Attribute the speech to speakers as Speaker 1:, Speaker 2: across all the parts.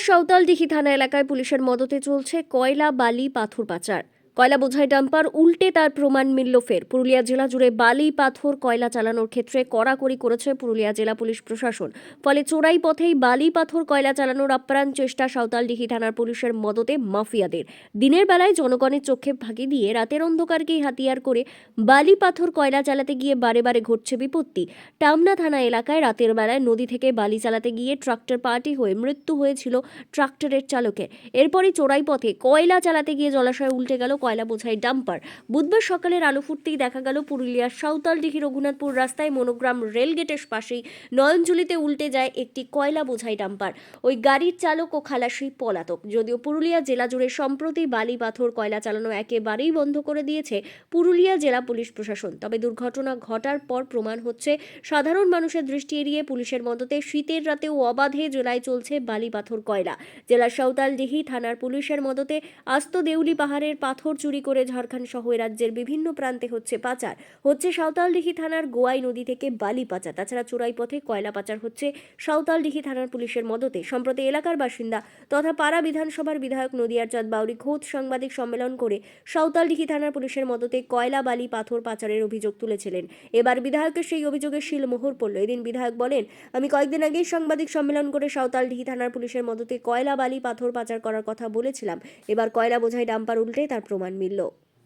Speaker 1: সাঁওতালডিহি থানা এলাকায় পুলিশের মদতে চলছে কয়লা, বালি, পাথর পাচার। কয়লা বোঝাই ডাম্পার উল্টে তার প্রমাণ মিলল ফের। পুরুলিয়া জেলা জুড়ে বালি, পাথর, কয়লা চালানোর ক্ষেত্রে কড়াকড়ি করেছে পুরুলিয়া জেলা পুলিশ প্রশাসন। ফলে চোরাই পথেই বালি, পাথর, কয়লা চালানোর আপ্রাণ চেষ্টা সাঁওতালডিহি থানার পুলিশের মদতে মাফিয়াদের। দিনের বেলায় জনগণের চোখে ফাঁকি দিয়ে রাতের অন্ধকারকেই হাতিয়ার করে বালি, পাথর, কয়লা চালাতে গিয়ে বারে বারে ঘটছে বিপত্তি। টামনা থানা এলাকায় রাতের বেলায় নদী থেকে বালি চালাতে গিয়ে ট্রাক্টর পাল্টি হয়ে মৃত্যু হয়েছিল ট্রাক্টরের চালকের। এরপরই চোরাই পথে কয়লা চালাতে গিয়ে জলাশয়ে উল্টে গেল কয়লা বোঝাই ডাম্পার। বুধবার সকালের আলো ফুটতেই দেখা গেল পুরুলিয়ার সাঁওতালডিহি রঘুনাথপুর রাস্তায় মনোগ্রাম রেলগেটের পাশেই নয়নজুলিতে উল্টে যায় একটি কয়লা বোঝাই ডাম্পার। ওই গাড়ির চালক ও খালাসি পলাতক। যদিও পুরুলিয়া জেলা জুড়ে সম্প্রতি বালি, পাথর, কয়লা চালানো একেবারেই বন্ধ করে দিয়েছে পুরুলিয়া জেলা পুলিশ প্রশাসন, তবে দুর্ঘটনা ঘটার পর প্রমাণ হচ্ছে সাধারণ মানুষের দৃষ্টি এড়িয়ে পুলিশের মদতে শীতের রাতেও অবাধে জেলায় চলছে বালি, পাথর, কয়লা। জেলার সাঁওতালডিহি থানার পুলিশের মদতে আস্ত দেউলি পাহাড়ের পাথর চুরি করে ঝাড়খণ্ড সহ রাজ্যের বিভিন্ন প্রান্তে হচ্ছে পাচার। হচ্ছে সাঁওতালডিহি থানার গোয়াই নদী থেকে বালি পাচার। তাছাড়া চোরাই পথে কয়লা পাচার হচ্ছে সাঁওতালডিহি থানার পুলিশের মদতে। সম্প্রতি এলাকার বাসিন্দা তথা পাড়া বিধানসভার বিধায়ক নদিয়ার চাঁদ বাউরি ঘোষ সাংবাদিক সম্মেলন করে সাঁওতালডিহি থানার পুলিশের মদতে কয়লা, বালি, পাথর পাচারের অভিযোগ তুলেছিলেন। এবার বিধায়কের সেই অভিযোগের শিলমোহর পড়ল। এদিন বিধায়ক বলেন, আমি কয়েকদিন আগেই সাংবাদিক সম্মেলন করে সাঁওতালডিহি থানার পুলিশের মদতে কয়লা, বালি, পাথর পাচার করার কথা বলেছিলাম। এবার কয়লা বোঝাই ডাম্পার উল্টে তার প্রমাণ মিলল।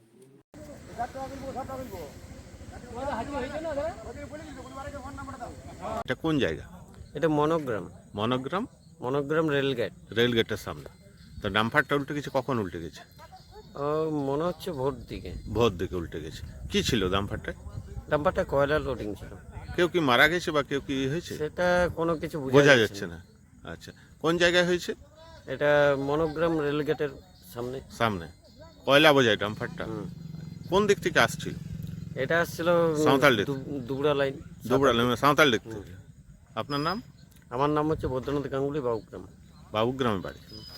Speaker 2: এটা কোন জায়গা?
Speaker 3: এটা মনোগ্রাম
Speaker 2: মনোগ্রাম
Speaker 3: মনোগ্রাম রেলগেট।
Speaker 2: রেলগেটের সামনে। তো ডাম্পারটা উল্টে গেছে, কখন উল্টে গেছে?
Speaker 3: মনে হচ্ছে ভোর দিকে।
Speaker 2: ভোর দিকে উল্টে গেছে। কি ছিল ডাম্পারটা?
Speaker 3: ডাম্পারটা কয়লা লোডিং ছিল।
Speaker 2: কেউ কি মারা গেছে বা কেউ কি হয়েছে?
Speaker 3: সেটা কোনো কিছু
Speaker 2: বোঝা যাচ্ছে না। আচ্ছা, কোন জায়গায় হয়েছে?
Speaker 3: এটা মনোগ্রাম রেলগেটের সামনে।
Speaker 2: সামনে কয়লা বোঝায় ডাম্পারটা কোন দিক থেকে আসছিল?
Speaker 3: এটা আসছিল
Speaker 2: সাঁওতালডিহি।
Speaker 3: দুবড়া লাইন।
Speaker 2: সাঁওতাল দিক থেকে। আপনার নাম?
Speaker 3: আমার নাম হচ্ছে বৈদ্যনাথ গাঙ্গুলি, বাবুগ্রাম।
Speaker 2: বাবুগ্রামে বাড়ি।